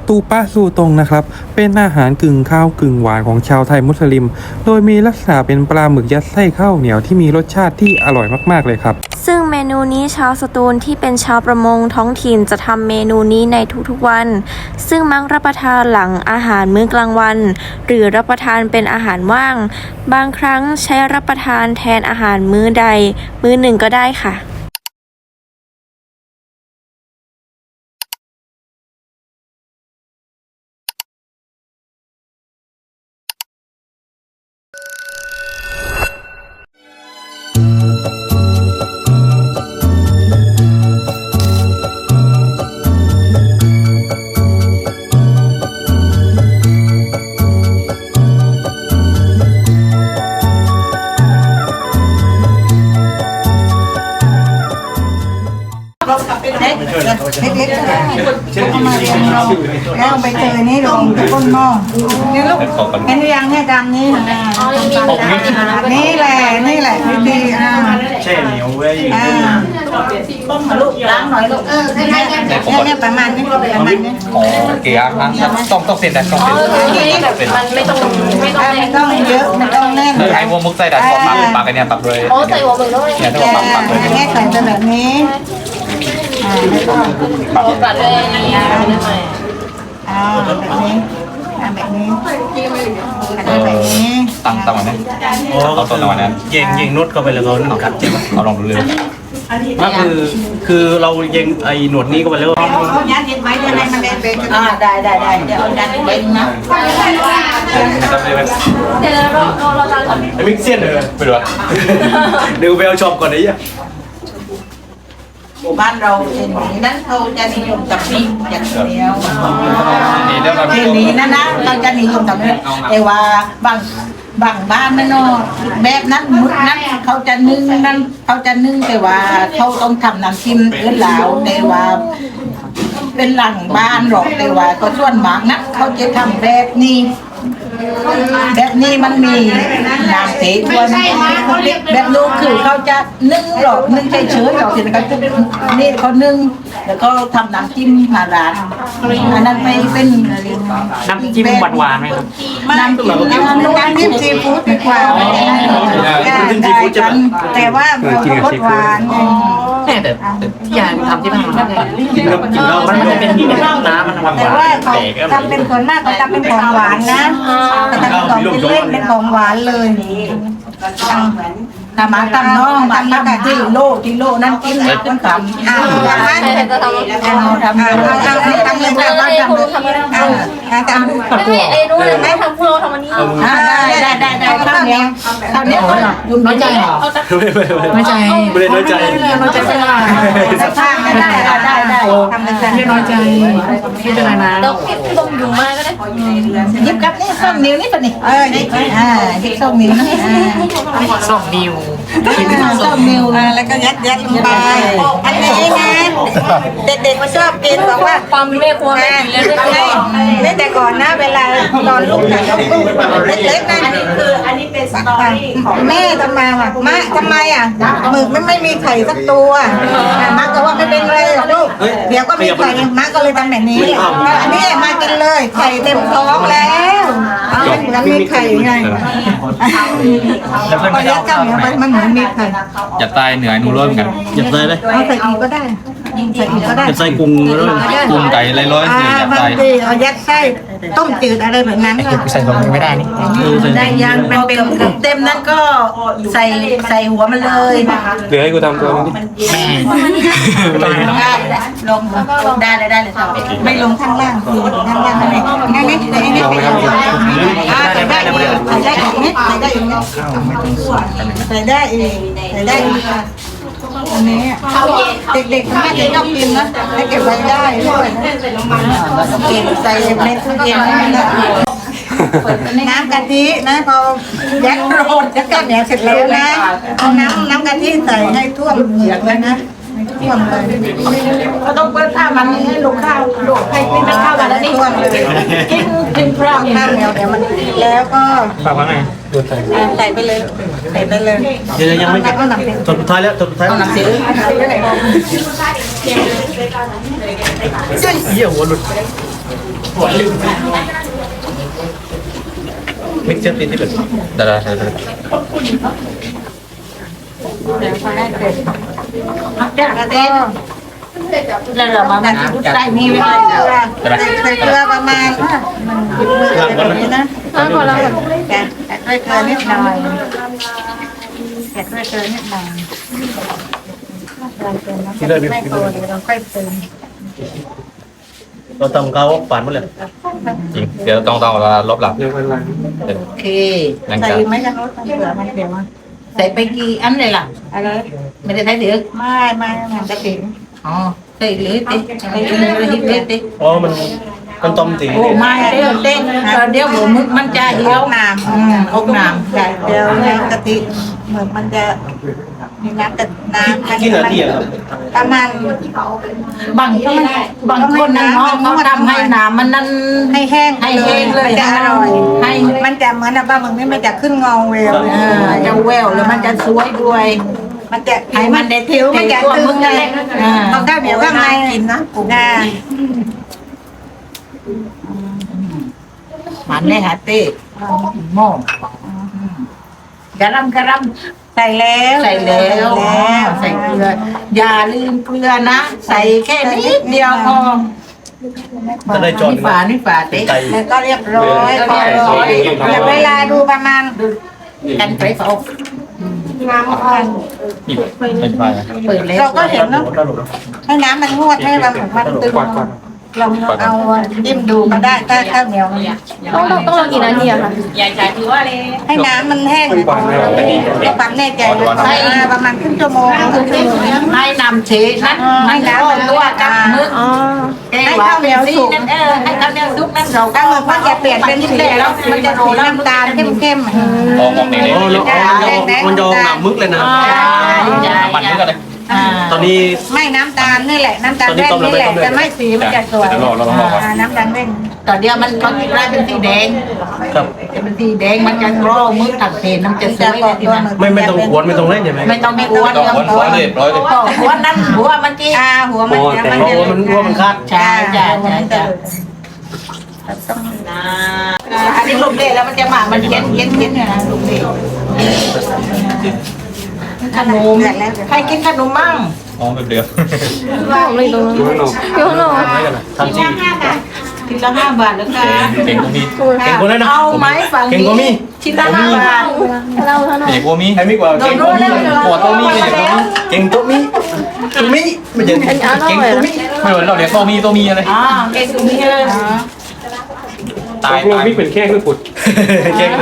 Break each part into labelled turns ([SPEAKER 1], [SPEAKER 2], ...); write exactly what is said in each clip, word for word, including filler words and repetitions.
[SPEAKER 1] ตูปะซูตงนะครับเป็นอาหารกึ่งข้าวกึ่งหวานของชาวไทยมุสลิมโดยมีลักษณะเป็นปลาหมึกยัดไส้ข้าวเหนียวที่มีรสชาติที่อร่อยมากๆเลยครับ
[SPEAKER 2] ซึ่งเมนูนี้ชาวสตูลที่เป็นชาวประมงท้องถิ่นจะทำเมนูนี้ในทุกๆวันซึ่งมักรับประทานหลังอาหารมื้อกลางวันหรือรับประทานเป็นอาหารว่างบางครั้งใช้รับประทานแทนอาหารมื้อใดมื้อหนึ่งก็ได้ค่ะ
[SPEAKER 3] เล็กๆก็ได้เอามาเรียงลงแล้วใบเตยนี่ลงที่ก้นหม้อนี่ลูกเห็นหรือยังเนี่ยดำนี่นะนี่แหละนี่แหละวิธีอ่า
[SPEAKER 4] แช่เหนียวไว้
[SPEAKER 3] อ่าต้มมาลูกล้างหน่อยลูกเออเนี่ยเนี่ยประมาณนี้ประมาณนี้
[SPEAKER 5] อ๋อเกียร์ต้องต้องเส้นแต่ต้องเส้น
[SPEAKER 2] มันไม่ต้องไม่ต้อง
[SPEAKER 3] ไม่ต้องเยอะไม่ต้องแน่น
[SPEAKER 5] คือไอ้วัวมุกใส่แต่ปากปากกันเนี่ยตักเลย
[SPEAKER 2] โอ้ใส่หัวมึงด้วย
[SPEAKER 5] เนี่ยต้องปากปากเลย
[SPEAKER 3] แค่ใส่เป็นแบบนี้อ่าแล้วก็
[SPEAKER 2] ปัดเลยนี่
[SPEAKER 3] อ่าแบบนี้อ่าแบบนี้แบบนี้
[SPEAKER 5] ตั้งตั้งวันนี้เอาต้นวันนั้น
[SPEAKER 4] ยิงยิงนุดเข้าไปแล้วก็นึ่งกัดใช่ไหม
[SPEAKER 5] เอาลองดูเลย
[SPEAKER 4] ก็คือคือเรายิงไอ้หนวดนี้เข้าไปแล้ว
[SPEAKER 3] เอายัดเย็นไว้ยังไงมันเล่นไปอ่าได้ได้ได้เดี๋ยวเอายัดเย็นนะ
[SPEAKER 2] เดี๋ยวเราเราเราจะ
[SPEAKER 4] ไอ้มิกเซียนเลย
[SPEAKER 5] ไปดู
[SPEAKER 4] ดูไปเอาชอบก่อนไอ้ยัง
[SPEAKER 3] หมู่บ้านเราเช่นนี้นั้นเขาจะนิยมกับพริกอย่างเดียว
[SPEAKER 5] นี่เรื่อง
[SPEAKER 3] เช่นนี้นะนะเราจะนิยมกับพริกแต่ว่าบางบางบ้านนั่นเนาะแบบนั้นมุดนั้นเขาจะนึ่งนั้นเขาจะนึ่งแต่ว่าเขาต้องทำน้ำจิ้มเอื้อเหลาแต่ว่าเป็นหลังบ้านหรอกแต่ว่าก็ส่วนมากนะเขาจะทำแบบนี้แบบนี้มันมีน้ำเตะด้วยแบบนู้นคือเขาจะนึ่งหรอกนึ่งเฉยๆหรอกทีนี้เขานี่เขานึ่งแล้วก็ทำน้ำจิ้มมาร้านอันนั้นไม่เป็น
[SPEAKER 4] น้ำจิ้มหวานๆไหมครับ
[SPEAKER 3] น้ำจิ้มน้ำจิ้มซีฟู้ดดีกว่าแต่ว่าเราหวาน
[SPEAKER 4] แต่แต่ที่ยายทำที่บ้านมันกินแล้วกินแล้วมันจะเป็นน้ำมันหวาน
[SPEAKER 3] แต่ว่าเขาทำเป็นคนมากเขาทำเป็นของหวานนะแต่ทำของเป็นเล่นเป็นของหวานเลยทำมาทำน้องทำมาที่โลที่โลนั่นกินนั่นทำอ่าทำทำทำทำทำเลยทำเลยทำเลยอ่าทำ
[SPEAKER 2] ไม่มีเอนูเลยไม่ทำพวกเราทำอันนี้
[SPEAKER 3] ได้ได้ได้ได้ข้าวเหนียวข้าวเหนียวยุ่งน้อยใจเหรอ
[SPEAKER 4] น้อยใจไม่ได้น้อยใจ
[SPEAKER 3] น้อยใจไม่ได้ได้ได้ได้ทำเลยไม่น้อยใจไม่เป็นไรนะ
[SPEAKER 2] เราคิดต้มยุ่งมากก็ได้
[SPEAKER 3] ยิบกับนี่ส้มนิ้วนี่ปะนี่เออนี่อ่ายิบส้มนิ้วนะ
[SPEAKER 4] ส้มนิ้ว
[SPEAKER 3] ส้มนิ้วแล้วก็ยัดยัดลงไปอันนี้นะเด็กๆมันชอบกินบอกว่า
[SPEAKER 2] ความแม่ครัวแม่
[SPEAKER 3] เล่นแต่ก่อนนะเวลาตอนลูกถ่ายลูกเล็กๆนะอันนี้คืออันนี้เป็นสตอรี่ของแม่ทำมาว่ะมาทำไมอ่ะหมึกไม่ไม่มีไข่สักตัวมาก็ว่าไม่เป็นไรลูกเดี๋ยวก็มีไข่มาก็เลยทำแบบนี้อันนี้มากินเลยไข่เต็มท้องแล้วมันมีไข่ไงพอยัดเจ้าเนี่ยมันเหมือนมีไข่
[SPEAKER 5] อย่าตายเหนื่อยนูร่วมกัน
[SPEAKER 4] อย่าตายเลย
[SPEAKER 3] เอาใส่อีกก็ได้ใส่อีกก็ได้
[SPEAKER 4] ใส่กุ้งเลย
[SPEAKER 5] กุ้งไก่อะไรร้อยสี่อย่า
[SPEAKER 3] ตายเอายัดไส้ต้มจืดอะไรแบบนั้นก็
[SPEAKER 5] ใส่ของไม่ได้นี่
[SPEAKER 3] ได้ยังเป็นเป็นเต็มนั้นก็ใส่ใส่หัวมันเลย
[SPEAKER 1] เหลือให้กูทำตัวนี้
[SPEAKER 3] ลงได้เลยได้เลยไม่ลงข้างล่างคือข้างล่างอะไรงั้นนี่ใส่นี่ไปเอาอ่าใส่ได้ใส่ได้อีกนิดใส่ได้อีกนิดใส่ได้อีกใส่ได้อีกอันนี้เด็กๆไม่ได้ชอบกินนะให้เก็บไว้ได้ด้วยเก็บใส่เม็ดทุเรียนน้ำกะทินะพอยัดโรดยัดก้อนเหนียวเสร็จแล้วนะเอาน้ำน้ำกะทิใส่ให้ท่วมเหยือกเลยนะท่วมเลยก็ต้องเปิดผ้ามันให้ลูกข้าวลูกให้กินข้าวกันแล้วนี่ท่วมเลยกินกินพร้อมข้าวเหนียวเดี๋ยวมันแล้วก็
[SPEAKER 4] ฝากว่าไง
[SPEAKER 3] ใส่ไปเลยใส่ไปเลย
[SPEAKER 4] เดี๋ยวยังไม่จดสุดท้ายแล้วจดสุดท้าย
[SPEAKER 3] หนังสือ
[SPEAKER 4] เยี่ยหัวหลุด
[SPEAKER 6] มิกเซอร์ตินที่เป็น
[SPEAKER 5] เดี๋ยวเดี๋ยวเดี๋ยว
[SPEAKER 3] แล้วเรามามันชุดใส่นี่ไม่ได้แล้วใส่เกลือประมาณนี้นะ
[SPEAKER 2] อ้าวพอแล้ว
[SPEAKER 3] แกะใส่เกลือนิดหน่อยแกะใส่เกลือนิดหน่อย
[SPEAKER 6] ที่เลิศ
[SPEAKER 3] ไม่
[SPEAKER 6] ที่
[SPEAKER 3] พอ
[SPEAKER 6] เลิศ
[SPEAKER 3] เดี๋ยวเราค่อยเติม
[SPEAKER 6] เราทำเขาปานหมดเลย
[SPEAKER 5] จริงเดี๋ยวต้องต้องเราลบหลับ
[SPEAKER 1] เดี๋ยววันหลัง
[SPEAKER 3] โอเค
[SPEAKER 5] ยัง
[SPEAKER 3] ใส่
[SPEAKER 5] จะ
[SPEAKER 3] ไหมกันรถเกลือมันเดี๋ยวใส่ไปกี่อันเลยล่ะอะไรไม่ได้ใส่เดือดไม่ไม่ไม่จะถึงอ๋อใส่เลยติใส่เลยฮิตเลยติ
[SPEAKER 6] อ๋อมันมันต้มจริง
[SPEAKER 3] โอ้ไม่เดี๋ยวเต้นเดี๋ยวหัวมึกมันจะเหี่ยวน้ำอืมอกน้ำใช่เดี๋ยวน้ำกะทิเหมือนมันจะมีน้ำแต่น้ำ
[SPEAKER 6] กี่นาทีอะครับ
[SPEAKER 3] ประมาณบางที่บางคนนะเขาเขาทำให้น้ำมันนั่นให้แห้งให้แห้งเลยจะอร่อยให้มันจะเหมือนแบบว่ามึงนี่มันจะขึ้นงอเวลจะแววแล้วมันจะสวยด้วย มันจะให้มันได้เที่ยวมันจะตึงเลยเขาข้าวเหนียวข้างในกินนะกุ้งมันเลยฮะเต้หม้อกระลำกระลำใส่แล้วใส่แล้วใส่เกลืออย่าลืมเกลือนะใส่แค่นิดเดียวพอ
[SPEAKER 6] จะได้จอด
[SPEAKER 3] นี่ฝานี่ฝาเต้
[SPEAKER 6] ไก่
[SPEAKER 3] แล้วก็เรียบร้อยพอร้อยเดี๋ยวเวลาดูประมาณกันไปเฝ้าน้ำอ่อน
[SPEAKER 5] นี่ไม่ใช่นะ
[SPEAKER 3] เปิดแล้วเราก็เห็นเนาะให้น้ำมันงวดให้เราเหมือนมันตึงลองเอาจิ้มดูก็ได้ถ้าข้าวเหนียว
[SPEAKER 2] ต้องต้องต้องรอกี่นาทีอะคะ
[SPEAKER 3] ให้น้ำมันแห้งก็ปั๊มแน่ใจใช้ประมาณครึ่งชั่วโมงให้น้ำเชนั้นให้น้ำมันตัวกับมือ
[SPEAKER 2] อ๋อ
[SPEAKER 3] ให้ข้าวเหนียวสุกนั่นเออให้ข้าวเหนียวสุกนั่นเราก็มันจะเปลี่ยนเป็นสีแล้วมันจะโรยน้ำตาลเข้มๆ
[SPEAKER 5] ลองมองนี่นี่
[SPEAKER 6] โอ้แล้วมันยองหนามึกเลยนะ
[SPEAKER 5] มันนี่ก็เลย
[SPEAKER 6] ตอนนี้
[SPEAKER 3] ไม่น้ำตาลนี่แหละน้ำตาลแว่นนี่แหละจะไม่สีมันจะสวยน้ำตาลแว่นตอนเดียวมันมันกลายเป็นสีแดง
[SPEAKER 6] ครับ
[SPEAKER 3] เป็นสีแดงมันจะโรมึกตัดเศษน้ำจะสวยเลยทีนั้น
[SPEAKER 6] ไม่ไม่ต้องขวนไม่ต้องเล่นใช่ไหม
[SPEAKER 3] ไม่ต้องไม่กวน
[SPEAKER 5] ต้องวนหัวเลยร้อยเลย
[SPEAKER 3] หัวนั่นหัวมันจีอ่าหัวมัน
[SPEAKER 6] เพราะว่ามันว่ามันคาด
[SPEAKER 3] ใช่ใช่ใช่ใช่อันนี้ลูกเล่แล้วมันจะมามันเย็นเย็นเย็นเนี่ยนะลูกเล่ขนมใครกินขนมมั่ง
[SPEAKER 5] อ๋อแบบเดียว
[SPEAKER 2] ผมเลยตรงนั้นอยู่ข้างนอก
[SPEAKER 6] ทำจริง
[SPEAKER 3] ชิ้นละห้าบาทแล้วกัน
[SPEAKER 5] เก่งก็มี
[SPEAKER 6] เก่งคนนั้นนะ
[SPEAKER 3] เอาไหมฝั่ง
[SPEAKER 6] เก่งกว่ามี
[SPEAKER 3] นี้ชิ้นละห้าบาท
[SPEAKER 2] เล่าเท่านั้น
[SPEAKER 5] เก่งกว่ามี
[SPEAKER 6] ใครไม่กว่า
[SPEAKER 3] โด
[SPEAKER 6] เก่
[SPEAKER 3] น
[SPEAKER 6] งก
[SPEAKER 3] รู้
[SPEAKER 6] ว่ามี
[SPEAKER 3] แล้ว
[SPEAKER 5] หัวโตมีเก่งกว่ามี
[SPEAKER 6] เก่งตัวมีตัวมีไม่ใช่
[SPEAKER 2] อันนี้อร่
[SPEAKER 6] เก่ง
[SPEAKER 2] อย
[SPEAKER 6] ตัว
[SPEAKER 2] นะ
[SPEAKER 6] มี
[SPEAKER 5] ไม่เหมือนเราเรียกโตมีโตมีอะไร
[SPEAKER 3] อ่าเก่งตรงนี้เลย
[SPEAKER 5] ตาย
[SPEAKER 1] รวม
[SPEAKER 5] ตาย
[SPEAKER 1] พี่เป็นแค่คือผุด
[SPEAKER 6] เก่ง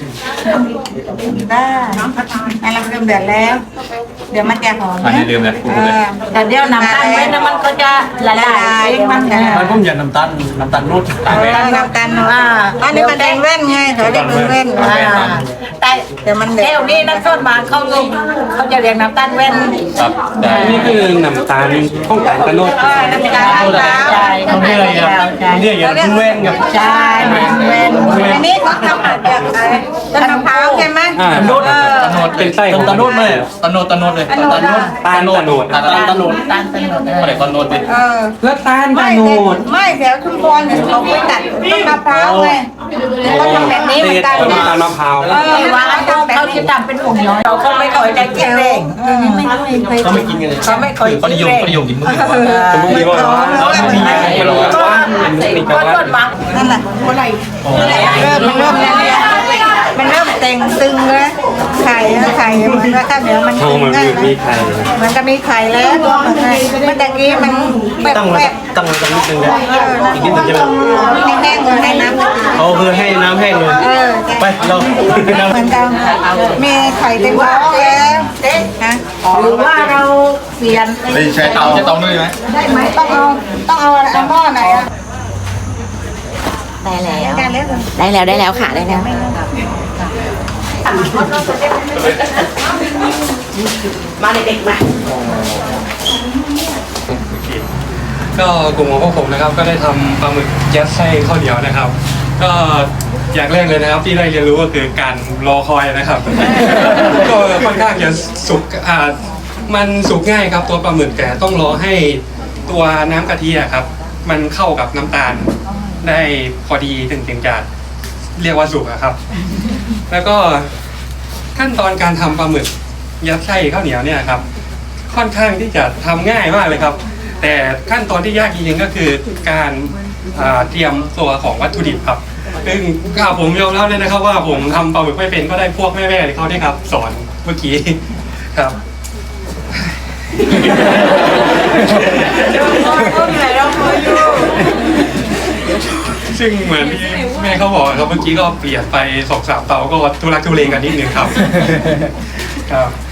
[SPEAKER 3] ได้อันเราเริ่มเดือดแล้ว เดี๋ยวมันจะหอม
[SPEAKER 5] อันนี้ลืมเลย
[SPEAKER 3] เออแต่เดี๋ยวน้ำตาลไว้นะมันก็จะละลายเองมันจะ
[SPEAKER 6] มันผมอยากน้ำตาลน้ำตาลนุ่น
[SPEAKER 5] ตายไป
[SPEAKER 3] น้ำตาลอ่าอันนี้มันแดงแว่นไงเขาเรียกเป็นแว่นอ่าแต่เดี๋ยวมันแก้วนี่น้ำส้มมาเขาลงเขาจะเรียกน้ำตาลแว่น
[SPEAKER 5] ครับได้
[SPEAKER 1] นี่คือน้ำตาลข้องตาลตะโนด
[SPEAKER 3] เออน้ำตาลมะพร้าว
[SPEAKER 6] เขาเรียกอะไรครับเรียกอย่างคุณเว้นกับ
[SPEAKER 3] ใช่แว่นอันนี้เขาทำมาจากอะไรต้นมะพร้าวใช่ไหม
[SPEAKER 1] อ่า
[SPEAKER 6] ตะโนด
[SPEAKER 5] ตะโนด
[SPEAKER 1] เป็นไส้ของ
[SPEAKER 6] ตะโนดเลย
[SPEAKER 5] ตะโนดตะโนดเลย
[SPEAKER 3] ตะโนด
[SPEAKER 1] ตาลตะโนด
[SPEAKER 5] ตาลตะโนด
[SPEAKER 6] ตะโนด
[SPEAKER 3] ตาลตะโนด
[SPEAKER 5] ไม่ได้ตะโนดเลย
[SPEAKER 3] เออ
[SPEAKER 1] แล้วตาลตะ
[SPEAKER 3] ไม่
[SPEAKER 1] โน
[SPEAKER 3] แต่
[SPEAKER 1] ด
[SPEAKER 3] ไม่แถวชุมพรเนี่ยเขาไปตัดต้นมะพร้าวไงเขาทำแบบนี้เหมือนกัน
[SPEAKER 1] ต้น
[SPEAKER 3] นะ
[SPEAKER 1] ตาลมะพร้าว
[SPEAKER 3] เออว่าเขาเขาจะทำเป็นผงย้อยเขาก็ไม่ค่อยจะกินเองไม่ค่อย
[SPEAKER 6] เขาไม่กินกันเลย
[SPEAKER 3] เขาไม่ค่อย
[SPEAKER 5] เขานิยมเขานิยมกินมึงดีกว่า
[SPEAKER 1] สมมติว่า
[SPEAKER 3] เขาไม่
[SPEAKER 1] มันร้อนว่ามันมีก
[SPEAKER 3] ก็
[SPEAKER 1] ว่า
[SPEAKER 3] ต้นมังนั่นแหละอะไรเริ่มมันเริ่มแล้วเนี่ยมันเริ่มเต่งตึงแล้วไข่ไข่เหมือนว่าข้าวเหนียวมัน
[SPEAKER 1] เขามันมีมีไข่
[SPEAKER 3] มันก็มีไข่แล้วเมื่อตะกี้มันแบบ
[SPEAKER 6] ตั้ง
[SPEAKER 3] แบบ
[SPEAKER 6] ตั้งตั้งนิดนึงเลยอีกนิดนึงใช่ไหม
[SPEAKER 3] ให้แห้งเลยให้น้ำมัน
[SPEAKER 6] เขาคือให้น้ำแห้งเลย
[SPEAKER 3] เออ
[SPEAKER 6] ไปเรา
[SPEAKER 3] เหมือนกันมีไข่เต็มท้องแล้วฮะหรือว่าเราเปลี่ยน
[SPEAKER 5] ไม่ใช่เตาใช่เตาด้วยไหม
[SPEAKER 3] ได้ไหมต้องเอาต้องเอาอะไรเอาหม้อไหนอะ
[SPEAKER 2] ได้แล้ว
[SPEAKER 3] การเล่น
[SPEAKER 2] ได้แล้วได้แล้วค่ะได้แล้ว
[SPEAKER 3] มาเด็กๆมา
[SPEAKER 1] ก็กลุ่มของพวกผมนะครับ ก็ได้ทำปลาหมึกยัดไส้ข้าวเหนียวนะครับ ก็อย่างแรกเลยนะครับที่ได้เรียนรู้ก็คือการรอคอยนะครับ ก็ค่อนข้างจะสุกอ่ามันสุกง่ายครับตัวปลาหมึกแต่ต้องรอให้ตัวน้ำกะทิอะครับ มันเข้ากับน้ำตาลได้พอดีถึงถึงจะเรียกว่าสุกอะครับ แล้วก็ขั้นตอนการทำปลาหมึกยัดไส้ข้าวเหนียวเนี่ยครับค่อนข้างที่จะทำง่ายมากเลยครับ แต่ขั้นตอนที่ยากจริงๆก็คือการอ่าเตรียมตัวของวัตถุดิบครับซึ่งข้าผมยอมรับเลยนะครับว่าผมทำปลาหมึกไม่เป็นก็ได้พวกแม่ๆเขาเนี่ยครับสอนเมื่อกี้ครับ ซึ่งเหมือนที่แม่เขาบอกครับเมื่อกี้ก็เปลี่ยนไปสองสามเตาก็ทุลักทุเลกันนิดนึงครับ ครับ